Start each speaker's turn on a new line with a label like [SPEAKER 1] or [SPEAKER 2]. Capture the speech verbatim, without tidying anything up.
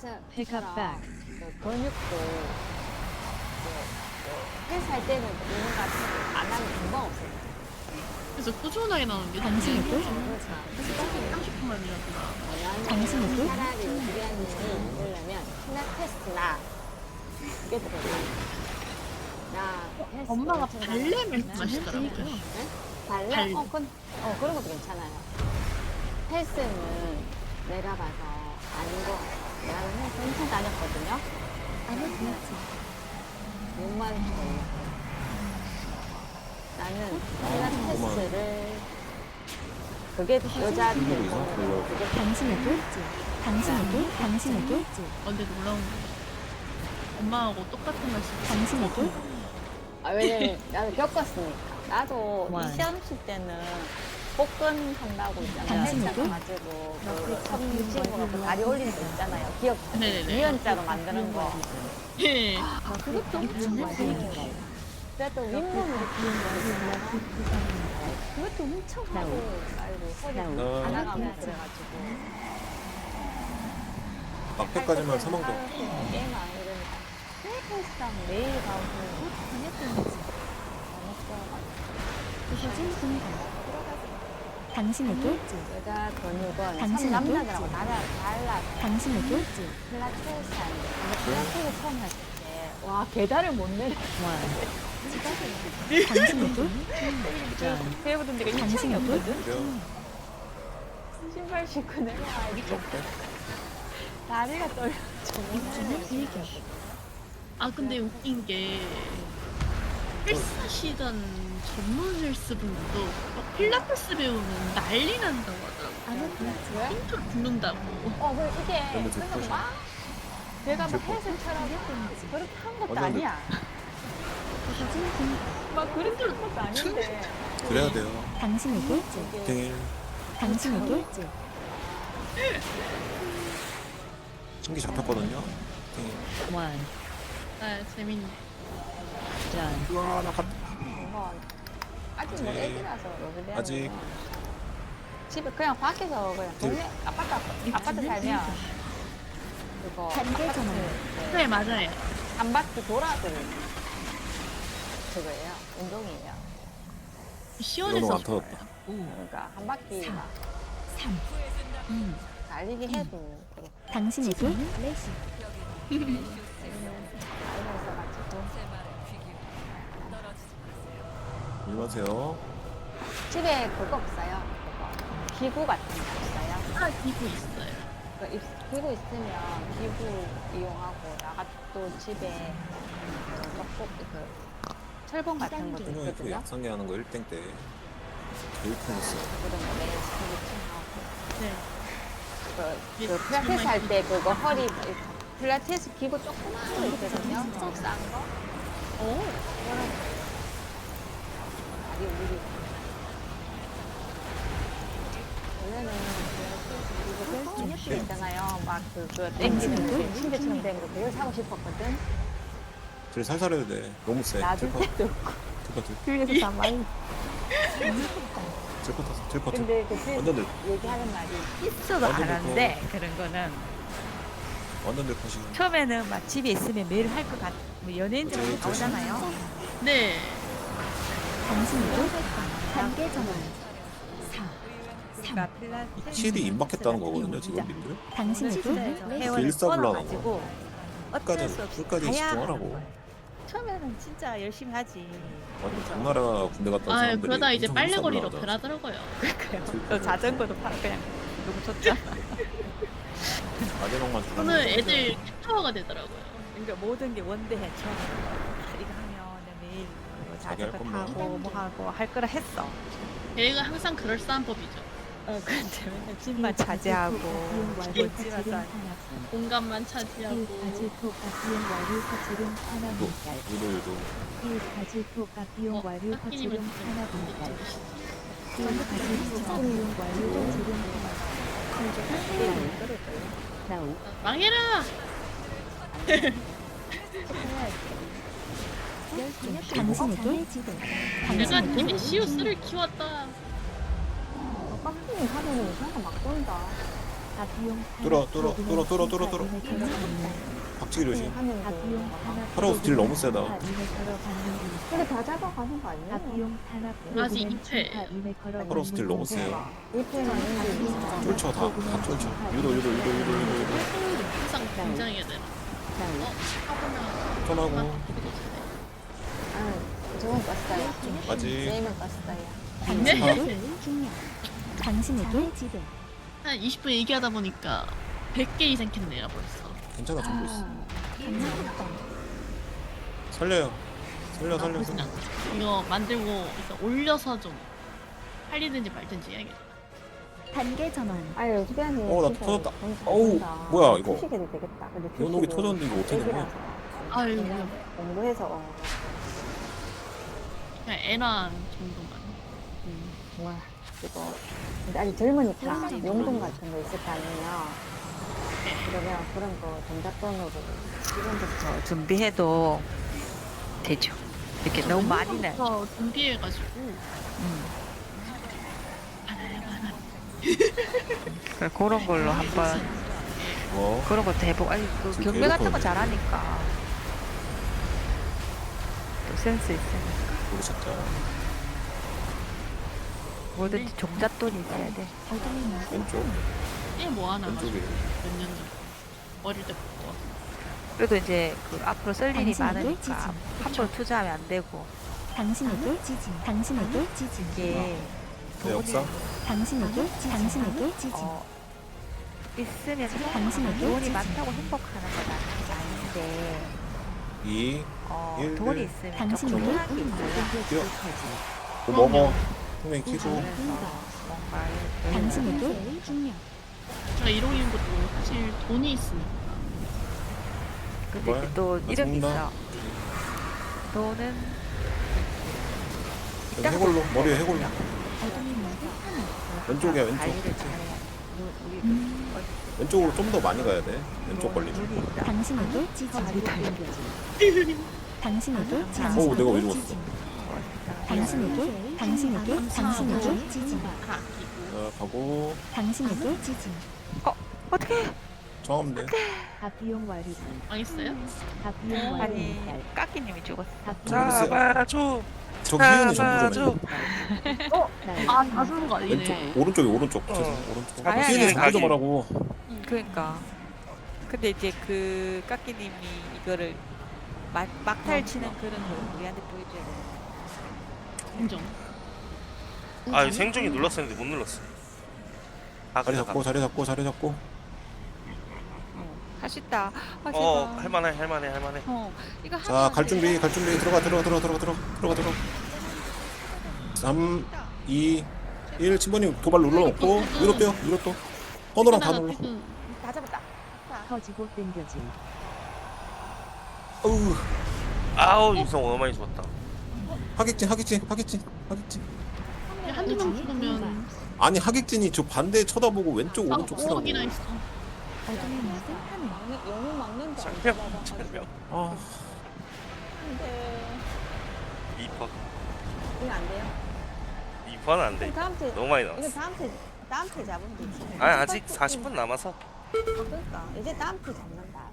[SPEAKER 1] Pick up
[SPEAKER 2] 헬스처럼
[SPEAKER 1] back.
[SPEAKER 2] 그 근육도 그, 그 헬스할 때는 뭔가 안 하면 금방 없어요.
[SPEAKER 3] 그래서 꾸준하게 나오는 게
[SPEAKER 1] 당신의
[SPEAKER 3] 당연히
[SPEAKER 1] 꿀?
[SPEAKER 2] 그렇죠.
[SPEAKER 3] 삼십 분만이라도 나.
[SPEAKER 1] 당신의 꿀?
[SPEAKER 2] 차라리 우리한테 이러려면 필라테스나 그게 더 나 헬스
[SPEAKER 3] 엄마가
[SPEAKER 2] 엄청
[SPEAKER 3] 발레
[SPEAKER 2] 잘하거든요.
[SPEAKER 3] 말씀하시더라고요.
[SPEAKER 2] 네? 발레?
[SPEAKER 3] 발레.
[SPEAKER 2] 어, 그건, 어, 그런 것도 괜찮아요. 헬스는 내가 봐서 아닌 것 같아요. 나는 헬스 엄청 다녔거든요.
[SPEAKER 1] 아니 그렇지.
[SPEAKER 2] 몸만 걸려. 나는 필라테스를 그게 여자들
[SPEAKER 4] 일부러 이상 걸려.
[SPEAKER 2] 그게
[SPEAKER 1] 당신의 꿀지. 당신의 꿀? 당신의 꿀지.
[SPEAKER 3] 어, 근데 놀라운 거. 엄마하고 똑같은 말씀.
[SPEAKER 1] 당신의 꿀?
[SPEAKER 2] 아, 왜냐면 나도 겪었으니까. 나도
[SPEAKER 1] 와.
[SPEAKER 2] 이 시험 칠 때는 복근 한다고 있잖아요.
[SPEAKER 1] 당신의
[SPEAKER 2] 헬스
[SPEAKER 1] 꿀?
[SPEAKER 2] 가지고 그 섬집으로 다리 올리는 거 있잖아요. 기억
[SPEAKER 3] 네네네.
[SPEAKER 2] 유연자로 만드는 거.
[SPEAKER 3] 예.
[SPEAKER 2] 아, 그것도 엄청 많이 했는데. 그래도 윗몸으로 그것도 엄청 하고 아이고 허리
[SPEAKER 4] 나-
[SPEAKER 2] 안 나가면 그래가지고
[SPEAKER 4] 앞에까지만 사망도.
[SPEAKER 2] 게임 안 이러니까 헬스장 매일 가고
[SPEAKER 1] 다녔던 거지.
[SPEAKER 2] 안
[SPEAKER 1] 부서진 순간. 당신의 꿀지.
[SPEAKER 2] 여자 근육은 참
[SPEAKER 1] 당신의
[SPEAKER 2] 남자들하고
[SPEAKER 1] 꿀지.
[SPEAKER 2] 달라, 달라서
[SPEAKER 1] 당신의 꿀지.
[SPEAKER 2] 필라테스 하는데 근데 필라테스 처음 했을 때와 계단을 못 내려
[SPEAKER 1] 당신의 꿀?
[SPEAKER 2] 배우던 데가
[SPEAKER 1] 당신의 꿀?
[SPEAKER 4] 그래요?
[SPEAKER 2] 신발 신고 내려와야 돼 다리가 떨려
[SPEAKER 1] 입주는 일격.
[SPEAKER 3] 아, 근데 웃긴 게 헬스 하시던 전문 헬스 분들도 막 필라테스 배우면 난리 난다고 하더라고요.
[SPEAKER 1] 아니 그렇지.
[SPEAKER 2] 왜?
[SPEAKER 3] 힘들 죽는다고.
[SPEAKER 2] 어, 그 이게
[SPEAKER 4] 너무
[SPEAKER 2] 그냥
[SPEAKER 4] 듣고
[SPEAKER 2] 막 내가 막
[SPEAKER 4] 듣고.
[SPEAKER 2] 헬스처럼 그렇게 한 것도
[SPEAKER 4] 완전
[SPEAKER 2] 아니야.
[SPEAKER 1] 부서진 순간.
[SPEAKER 2] 막 그렇게 한 것도 아닌데.
[SPEAKER 4] 그래야 돼요.
[SPEAKER 1] 당신의 꿀지.
[SPEAKER 2] 이게
[SPEAKER 4] 땡.
[SPEAKER 1] 당신의 꿀지.
[SPEAKER 4] 신기 잡혔거든요. 땡.
[SPEAKER 1] 원.
[SPEAKER 3] 아, 재밌네.
[SPEAKER 1] 전.
[SPEAKER 4] 우와, 나 갔다.
[SPEAKER 2] 뭔가 아직 뭐
[SPEAKER 4] 네.
[SPEAKER 2] 애기라서 여기
[SPEAKER 4] 아직.
[SPEAKER 2] 집에 그냥 밖에서 그냥 동네 아파트 아파트, 아파트 살면 그거
[SPEAKER 1] 단계
[SPEAKER 2] 아파트
[SPEAKER 1] 전환.
[SPEAKER 2] 그
[SPEAKER 3] 네, 맞아요.
[SPEAKER 2] 한 바퀴 돌아도 그거예요. 운동이에요.
[SPEAKER 4] 너무
[SPEAKER 3] 시원해서
[SPEAKER 4] 안 터졌다.
[SPEAKER 1] 오.
[SPEAKER 2] 그러니까 한 바퀴
[SPEAKER 1] 삼.
[SPEAKER 2] 막
[SPEAKER 1] 삼. 이.
[SPEAKER 2] 달리기 해도 그렇고
[SPEAKER 1] 당신의 꿀? 레시.
[SPEAKER 2] 나이가 있어가지고
[SPEAKER 4] 일마세요.
[SPEAKER 2] 집에 그거 없어요. 그거 기구 같은 거 없어요.
[SPEAKER 3] 아, 기구 있어요.
[SPEAKER 2] 그 입- 기구 있으면 기구 이용하고 나가 또 집에 떡볶이 그 철봉 같은 것도
[SPEAKER 4] 분명히 그
[SPEAKER 2] 있거든요.
[SPEAKER 4] 약상계 하는 거 일 등 때. 제일 큰 거.
[SPEAKER 2] 그런 거 매일 스트레칭하고
[SPEAKER 3] 네.
[SPEAKER 2] 그, 그 필라테스 할 때 그거 허리 필라테스 기구 조그만 거 있거든요. 좀 싼 거.
[SPEAKER 3] 오.
[SPEAKER 2] 그거는 다리 우리 원래는 필라테스 기구 헬스 있잖아요. 막 그거 땡기는 거 침대처럼 된 거 그걸 사고 싶었거든.
[SPEAKER 4] 제일 살살 해야 돼. 너무 세.
[SPEAKER 2] 놔줄
[SPEAKER 4] 들것
[SPEAKER 2] 때도 없고
[SPEAKER 4] 들것 같아.
[SPEAKER 2] 그래서 다 많이
[SPEAKER 4] 들것 같아. 들것 같아.
[SPEAKER 2] 근데 그
[SPEAKER 4] 완전 들,
[SPEAKER 2] 얘기하는 말이
[SPEAKER 5] 있어도 안
[SPEAKER 4] 완전
[SPEAKER 5] 하는데 그런 거는
[SPEAKER 4] 완전 들것이.
[SPEAKER 5] 처음에는 막 집에 있으면 매일 할 것 같. 뭐 연예인들하고
[SPEAKER 4] 그치, 그치.
[SPEAKER 5] 나오잖아요.
[SPEAKER 3] 네.
[SPEAKER 1] 당신의 꿀? 단계 전환. 사.
[SPEAKER 5] 그러니까 필라테스
[SPEAKER 4] 확실히 임박했다는 거거든요, 지금 님들.
[SPEAKER 1] 당신의 꿀?
[SPEAKER 5] 진짜에서
[SPEAKER 1] 레시.
[SPEAKER 5] 회원을
[SPEAKER 4] 일사불란하고.
[SPEAKER 5] 끊어가지고 어쩔
[SPEAKER 4] 끝까지,
[SPEAKER 5] 수 없이
[SPEAKER 4] 끝까지
[SPEAKER 5] 가야
[SPEAKER 4] 집중하라고.
[SPEAKER 5] 하는 거예요. 처음에는 진짜 열심히 하지.
[SPEAKER 4] 완전 당나라 군대 갔다 온
[SPEAKER 3] 아,
[SPEAKER 4] 사람들이
[SPEAKER 3] 그러다 이제
[SPEAKER 4] 엄청
[SPEAKER 3] 빨래거리로
[SPEAKER 4] 일사불란하다.
[SPEAKER 3] 변하더라고요.
[SPEAKER 5] 그래요. 또 자전거도 파 그냥 너무 좋잖아.
[SPEAKER 4] 마지막만
[SPEAKER 3] 저는 애들 캡터가 되더라고요.
[SPEAKER 5] 그러니까 모든 게 원대해 처음에. 아, 이거 하면 내가 매일 뭐
[SPEAKER 4] 자기 할
[SPEAKER 5] 자전거
[SPEAKER 4] 것만.
[SPEAKER 5] 타고 뭐 하고 할 거라 했어.
[SPEAKER 3] 걔가 항상 그럴싸한 법이죠.
[SPEAKER 5] 어, 근데 맨날 집만 차지하고 못 집에서
[SPEAKER 3] 공간만 차지하고.
[SPEAKER 1] 비용 와류 거치름 하나
[SPEAKER 4] 또
[SPEAKER 1] 물살.
[SPEAKER 4] 유도유도.
[SPEAKER 1] 가지토가 비용
[SPEAKER 3] 어,
[SPEAKER 1] 와류
[SPEAKER 3] 깎이님은
[SPEAKER 1] 거치름 하나 물살.
[SPEAKER 3] 좀
[SPEAKER 1] 가지토가 비용 와류 거치름
[SPEAKER 2] 그냥
[SPEAKER 3] 망해라!
[SPEAKER 1] 당신의 꿀?
[SPEAKER 3] 내가
[SPEAKER 1] 당신의 꿀?
[SPEAKER 3] 디비시우스를 키웠다.
[SPEAKER 2] 어, 깍두기 하면은 이상한 거막 돈다.
[SPEAKER 1] 앞이용
[SPEAKER 4] 뚫어, 뚫어, 뚫어, 뚫어, 뚫어, 뚫어. 박치기 조심.
[SPEAKER 2] 하면
[SPEAKER 1] 앞이용
[SPEAKER 2] 돼.
[SPEAKER 1] 탄압
[SPEAKER 4] 파라오스 딜 너무 세다.
[SPEAKER 2] 근데 다 잡아가는 거 아니야?
[SPEAKER 1] 앞이용 탄압
[SPEAKER 3] 아직 이 패.
[SPEAKER 4] 파라오스 딜 너무 세요.
[SPEAKER 2] 이 패만 있는데
[SPEAKER 4] 쫄쳐, 다, 다 쫄쳐. 유도, 유도, 유도, 유도, 유도, 유도.
[SPEAKER 3] 항상 긴장해야 되나? 어? 하고나
[SPEAKER 4] 턴하고.
[SPEAKER 2] 아, 저건 껐어요.
[SPEAKER 4] 아직.
[SPEAKER 2] 게임은 껐어요.
[SPEAKER 3] 네?
[SPEAKER 1] 당신에게 지배
[SPEAKER 3] 한 이십 분 얘기하다 보니까 백 개 이상 캤네요 벌써.
[SPEAKER 4] 괜찮아, 정보 있어.
[SPEAKER 2] 감사합니다.
[SPEAKER 4] 살려요. 살려, 살려,
[SPEAKER 3] 나쁘진
[SPEAKER 4] 살려.
[SPEAKER 3] 않아. 이거 만들고 일단 올려서 좀 팔리든지 말든지 해야겠다.
[SPEAKER 1] 단계 전환
[SPEAKER 2] 아유, 수변이.
[SPEAKER 4] 어, 나 터졌다. 어우, 뭐야, 이거.
[SPEAKER 2] 표식해도 되겠다. 근데
[SPEAKER 4] 연옥이
[SPEAKER 2] 표식은
[SPEAKER 4] 터졌는데 이거 어떻게 된 거야?
[SPEAKER 2] 애기라서
[SPEAKER 3] 아유
[SPEAKER 2] 그냥 공부해서 어.
[SPEAKER 3] 그냥 애랑 정도만.
[SPEAKER 2] 음, 와, 이거. 근데 아직 젊으니까 용돈 같은 거 있을 거 아니에요. 그러면 그런 거 동작돈으로
[SPEAKER 5] 지금부터 준비해도 되죠. 이렇게 너무 많이는.
[SPEAKER 3] 저 준비해가지고
[SPEAKER 5] 음.
[SPEAKER 3] 알아요 알아.
[SPEAKER 5] 그래, 그런 걸로 한번
[SPEAKER 4] 뭐?
[SPEAKER 5] 그런 것도 해보고 아니 그
[SPEAKER 4] 지금
[SPEAKER 5] 경매 같은 거
[SPEAKER 4] 계속
[SPEAKER 5] 잘하니까 또 센스 있으니까
[SPEAKER 4] 우리 진짜.
[SPEAKER 5] 뭐든지 종잣돈이 있어야 돼.
[SPEAKER 4] 왼쪽.
[SPEAKER 3] 꽤 모아놔가지고
[SPEAKER 4] 왼쪽에.
[SPEAKER 3] 몇 년 전. 어릴 때부터.
[SPEAKER 5] 그래도 이제 그 앞으로 쓸 일이
[SPEAKER 1] 당신에게
[SPEAKER 5] 많으니까
[SPEAKER 1] 지지.
[SPEAKER 5] 함부로 투자하면 안 되고
[SPEAKER 1] 당신에게 지지 당신에게 지지
[SPEAKER 5] 이게
[SPEAKER 4] 내 역사?
[SPEAKER 1] 당신에게 지지 당신에게 지지
[SPEAKER 5] 어 있으면
[SPEAKER 1] 당신에게
[SPEAKER 5] 돈이
[SPEAKER 1] 지지.
[SPEAKER 5] 많다고 행복하는 건 아닌데
[SPEAKER 4] 이.
[SPEAKER 5] 어
[SPEAKER 4] 일,
[SPEAKER 5] 돈이
[SPEAKER 4] 일.
[SPEAKER 5] 있으면
[SPEAKER 1] 당신에게
[SPEAKER 5] 조금 편한 게
[SPEAKER 1] 지지.
[SPEAKER 5] 있어요.
[SPEAKER 4] 뭐 먹어. 분명히 키고.
[SPEAKER 5] 그래서 뭔가
[SPEAKER 1] 당신에게 중요
[SPEAKER 3] 제가 이러는 것도 사실 돈이 있으니까.
[SPEAKER 5] 근데
[SPEAKER 4] 뭘?
[SPEAKER 5] 또
[SPEAKER 4] 나
[SPEAKER 5] 이런 게
[SPEAKER 4] 죽는다.
[SPEAKER 5] 있어. 돈은
[SPEAKER 4] 해골로. 머리에 해골로.
[SPEAKER 1] 어둠이 모두 하늘
[SPEAKER 4] 왼쪽이야, 왼쪽.
[SPEAKER 5] 관리를 잘해야 돼. 우리
[SPEAKER 1] 음.
[SPEAKER 5] 그
[SPEAKER 4] 왼쪽으로 좀 더 많이 가야 돼. 왼쪽 걸리면.
[SPEAKER 5] 눈이 있다.
[SPEAKER 1] 당신에게 지지 당신에게 지지
[SPEAKER 4] 어우, 내가 왜 죽었어?
[SPEAKER 1] 지지. 당신에게 당신에게 당신에게 지지
[SPEAKER 3] 다 아끼고.
[SPEAKER 4] 자, 가고.
[SPEAKER 1] 당신에게 지지
[SPEAKER 5] 어떻게?
[SPEAKER 4] 정없네.
[SPEAKER 1] 앞이용 완료
[SPEAKER 3] 망했어요?
[SPEAKER 1] 앞이용 완료
[SPEAKER 5] 아니 까끼님이 죽었어.
[SPEAKER 6] 잡아줘.
[SPEAKER 4] 저 희은이 전부 좀 해.
[SPEAKER 3] 아, 다 주는 거 아니네.
[SPEAKER 4] 왼쪽, 오른쪽에 오른쪽. 죄송, 오른쪽.
[SPEAKER 5] 아니, 아니,
[SPEAKER 4] 희은이
[SPEAKER 5] 아니,
[SPEAKER 4] 전부 좀
[SPEAKER 6] 아니.
[SPEAKER 4] 하라고.
[SPEAKER 5] 그러니까. 근데 이제 그 까끼님이 이거를 막, 막탈 치는 그런 걸 우리한테 보여줘야 돼.
[SPEAKER 3] 인정.
[SPEAKER 6] 아 생존이 눌렀었는데 못 눌렀어. 아
[SPEAKER 4] 자리
[SPEAKER 6] 그래
[SPEAKER 4] 잡고, 자리 잡고, 자리 잡고.
[SPEAKER 5] 할 수 있다. 아, 제발.
[SPEAKER 6] 어 할만해 할만해 할만해.
[SPEAKER 5] 어, 이거
[SPEAKER 4] 자,
[SPEAKER 5] 하면
[SPEAKER 4] 갈
[SPEAKER 5] 돼.
[SPEAKER 4] 준비, 갈 준비. 들어가, 들어가, 들어가, 들어가, 들어가, 들어가, 들어가. 삼, 이, 일. 친구님 도발 눌러놓고 위로 빼요, 위로 또. 헌호랑 다 눌러.
[SPEAKER 5] 다 잡았다.
[SPEAKER 1] 터지고 땡겨지
[SPEAKER 4] 어우,
[SPEAKER 6] 아우 유성 너무 많이 죽었다.
[SPEAKER 4] 하객진, 하객진, 하객진, 하객진.
[SPEAKER 3] 한두 명 죽으면
[SPEAKER 4] 아니, 하객진이 저 반대 쳐다보고 왼쪽,
[SPEAKER 3] 아,
[SPEAKER 4] 오른쪽 쓰라고.
[SPEAKER 3] 오억이나 있어.
[SPEAKER 1] 어둠이 모두 하늘
[SPEAKER 2] 영웅- 영웅 막는다.
[SPEAKER 6] 장명 장명.
[SPEAKER 4] 아,
[SPEAKER 2] 근데
[SPEAKER 6] 이 퍼.
[SPEAKER 2] 이거 안 돼요.
[SPEAKER 6] 이 퍼는 안 돼.
[SPEAKER 2] 그럼 다음 주
[SPEAKER 6] 너무 많이
[SPEAKER 2] 이거
[SPEAKER 6] 나왔어.
[SPEAKER 2] 다음 주 다음 주에 잡으면 되지.
[SPEAKER 6] 아니 아직 사십 분 남아서.
[SPEAKER 2] 아, 그러니까 이제 다음 주 잡나?